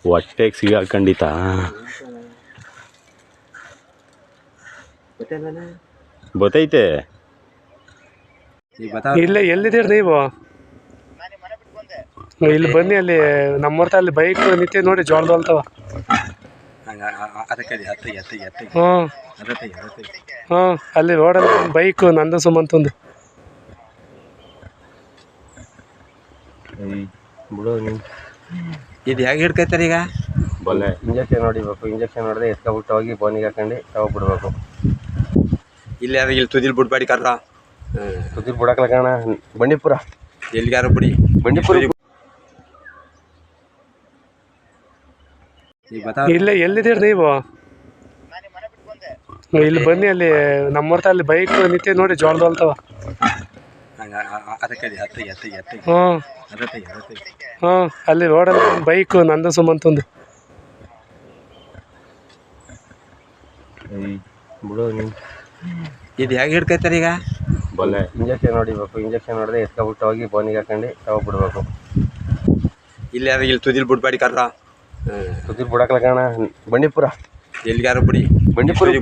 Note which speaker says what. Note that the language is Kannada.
Speaker 1: ಹೊಟ್ಟೆಗೆ ಸಿಗಾಕೊಂಡಿತ ಗೊತ್ತೈತೆ.
Speaker 2: ಇಲ್ಲ ಎಲ್ಲಿದ್ದೀರಿ ನೀವು? ಇಲ್ಲಿ ಬನ್ನಿ, ಅಲ್ಲಿ ನಮ್ಮೂರ್ತ ಅಲ್ಲಿ ಬೈಕ್ ನಿಂತೆ ನೋಡಿ, ಜೋಳದ ಹೊಲ್ತವ. ಹ್ಞೂ ಅಲ್ಲಿ ರೋಡಲ್ಲಿ ಬೈಕು ನಂದು ಸುಮಂತಂದು.
Speaker 3: ಇದು ಹೇಗೆ ಹಿಡ್ಕೈತಾರೆ ಈಗ?
Speaker 1: ಬಲ್ಲೆ
Speaker 3: ಇಂಜೆಕ್ಷನ್ ಹೊಡಿಬೇಕು. ಇಂಜೆಕ್ಷನ್ ಹೊಡೆದ್ರೆ ಎತ್ಕೊಬಿಟ್ಟು ಹೋಗಿ ಬೋನಿಗೆ ಹಾಕೊಂಡು ತಗೊಬಿಡ್ಬೇಕು. ಇಲ್ಲಿ ಯಾರು ಇಲ್ಲಿ ತುದಿಲ್ ಬಿಡ್ಬೇಡಿ ಕರ್ರ. ತುದಿಲ್ ಬಿಡಕ್ಲ ಕಾಣ ಬಂಡೀಪುರ. ಎಲ್ಲಿಗಾರು ಬಿಡಿ, ಬಂಡೀಪುರ.
Speaker 2: ಇಲ್ಲ ಎಲ್ಲಿದ್ದೀರಿ ನೀವು? ಇಲ್ಲಿ ಬನ್ನಿ, ಅಲ್ಲಿ ನಮ್ಮೂರ್ತ ಅಲ್ಲಿ ಬೈಕ್ ನಿಂತೆ ನೋಡಿ, ಜೋಳದ ಹೊಲ್ತವ. ಹ್ಞೂ ಹ್ಞೂ ಅಲ್ಲಿ ರೋಡಲ್ಲಿ ಬೈಕು ನಂದು ಸುಮಂತಂದು.
Speaker 3: ಇದು ಹೇಗೆ ಹಿಡ್ಕೈತಾರೆ ಈಗ?
Speaker 1: ಬಲ್ಲೆ
Speaker 3: ಇಂಜೆಕ್ಷನ್ ಹೊಡಿಬೇಕು. ಇಂಜೆಕ್ಷನ್ ಹೊಡೆದ್ರೆ ಎತ್ಕೊಬಿಟ್ಟು ಹೋಗಿ ಬೋನಿಗೆ ಹಾಕೊಂಡು ತಗೊಬಿಡ್ಬೇಕು. ಇಲ್ಲಿ ಯಾರು ಇಲ್ಲಿ ತುದಿಲ್ ಬಿಡ್ಬೇಡಿ ಕರ್ರ. ತುದಿಲ್ ಬಿಡಕ್ಲ ಕಾಣ ಬಂಡೀಪುರ. ಎಲ್ಲಿಗಾರು ಬಿಡಿ, ಬಂಡೀಪುರ.